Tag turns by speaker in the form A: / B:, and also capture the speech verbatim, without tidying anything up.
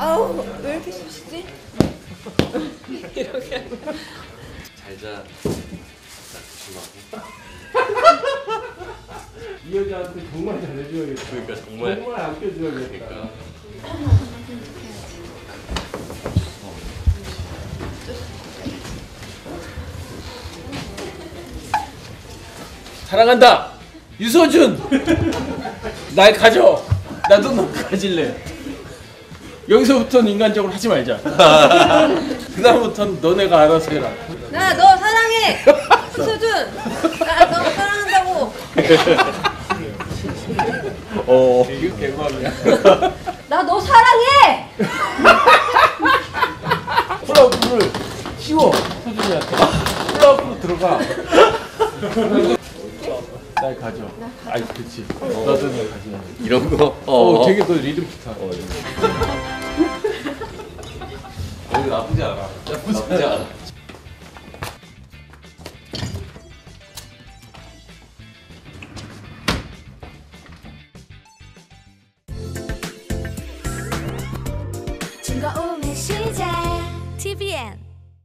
A: 아우 왜 이렇게 쑤시지? 이렇게
B: 잘자. 조심하고.
C: 이 여자한테 정말 잘해줘야겠다.
B: 그러니까 정말
C: 정말 아껴줘야겠다.
B: 그러니까.
C: 사랑한다 유서준. 날 가져. 나도 너 가질래. 여기서부터는 인간적으로 하지 말자. 그다음부터는 너네가 알아서 해라.
A: 나 너 사랑해 수준. 나 너 사랑한다고.
C: 어 이거 개망이야.
A: 나 너 사랑해.
C: 플라우프를 씌워 서준이한테. 플라우프로 들어가. 날 가져. 아이 그렇지. 너도 날 가져.
B: 이런 거.
C: 어,
B: 어,
C: 되게 너 리듬 기타.
B: 어, 이거 나쁘지 않아. 나쁘지 않아.
D: 즐거움의 시작 티비엔